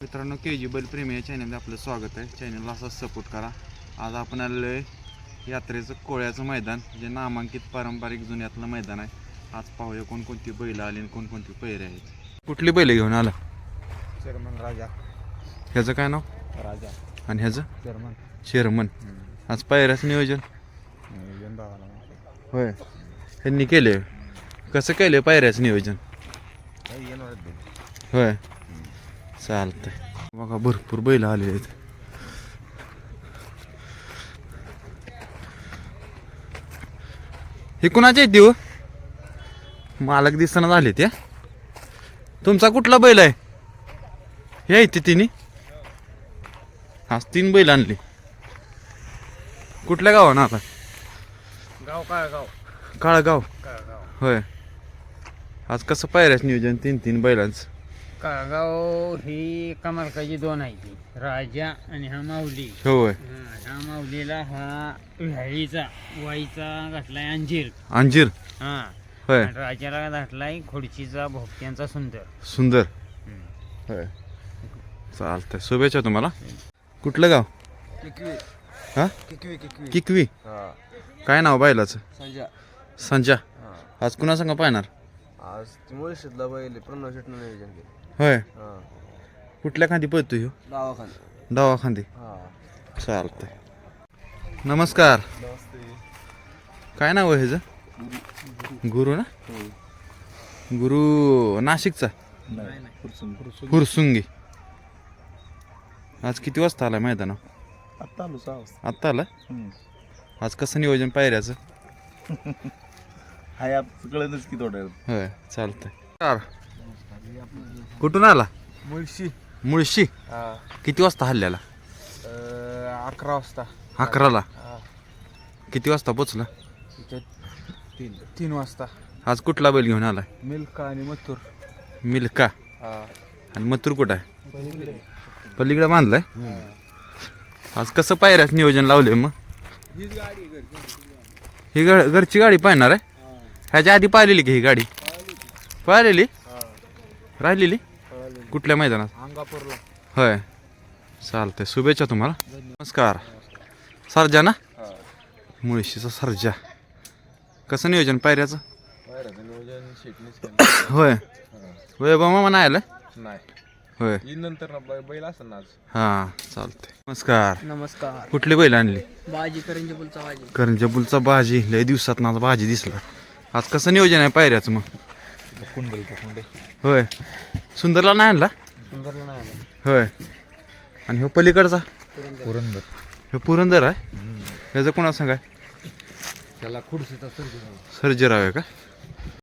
मित्रांनो KG बैलप्रेमी या चॅनलमध्ये आपलं स्वागत आहे. चॅनलला असंच सपोर्ट करा. आज आपण आलेलो आहे यात्रेचं कोळ्याचं मैदान, जे नामांकित पारंपरिक जुन्यातलं मैदान आहे. आज पाहूया कोणकोणती बैल आली आणि कोणकोणती पैरे आहेत. कुठली बैल घेऊन आला? चेअरमन राजा. ह्याचं काय नाव? राजा. आणि ह्याचं? चेअरमन. चेअरमन. आज पायऱ्याचं नियोजन होय ह्यांनी केले. कसं केलं पायऱ्याचं नियोजन? होय चालतंय. बघा भरपूर बैल आले आहेत. हे कुणाचे आहेत देऊ? मालक दिसना झाले त्या. तुमचा कुठला बैल आहे? हे आहे ते तिन्ही. आज 3 बैल आणले. कुठल्या गावानं आता? गाव काळगाव. काळगाव. काळगाव. होय. आज कसं पायऱ्याच नियोजन 3 बैलांचं? काळगाव ही कमालकाची 2 आहे ती, राजा आणि हा माऊली. होय. ह्या माऊलीला हा व्याळीचा वाईचा घातलाय अंजीर. अंजीर. हा होय. आणि राजाला घातलाय खोडचीचा भोपट्यांचा सुंदर. सुंदर. होय चालतंय. शुभेच्छा तुम्हाला. कुठलं गाव? किकवी. हा किकवी. किकवी. किकवी. काय नाव बैलाचं? संजा. संजा. आज कुणा संग पाहणार? आज मुळशीतला बैल प्रणव शेटनं नियोजन केलं. होय. कुठल्या खांदी पळतो ह्यो? गावाखाली. डावा खांदी. चालतंय. नमस्कार. काय नाव आहे ह्याचं? गुरु ना? गुरु नाशिकचा? फुरसुंगी. आज किती वाजता आलाय मैदाना? आत्ता आलो 6 वाजता. आत्ता आला. आज कसं नियोजन पायऱ्याचं? हाय आप कळतच की थोड्या. होय चालतंय. कुठून आला? मुळशी. किती वाजता हल्ल्याला? 11 वाजता. 11ला. किती वाजता पोचला? 3 वाजता. आज कुठला बैल घेऊन आलाय? मिल्का आणि मथुर. मिल्का. आणि मथुर कुठं आहे? पलीकडे बांधलाय. आज कसं पायऱ्याच नियोजन लावले मग? ही घरची गाडी पाहणार आहे? ह्याच्या आधी पाहिलेली की ही गाडी? पाहिलेली? राहिलेली? कुठल्या मैदानात? अंगापूरला. होय चालतंय. शुभेच्छा तुम्हाला. नमस्कार. सर्जा ना? मुळशीचा सर्जा. कसं नियोजन पायऱ्याचं? होय. वैभव मामा नाही आलं? होय. नंतर बैल असं ना. हां चालतंय. नमस्कार. नमस्कार. कुठली बैल आणली? बाजी करंजपूलचा बाजी. करंजपूलचा बाजी. लय दिवसात ना बाजी दिसला. आज कसं नियोजन आहे पायऱ्याचं मग? होय. सुंदरला नाही आणला? सुंदरला नाही आला. होय. आणि ह्यो पलीकडचा? पुरंदर. हे पुरंदर आहे. ह्याचं कोणा सांगाय? त्याला खुर्शीचा सर्जेराव आहे का?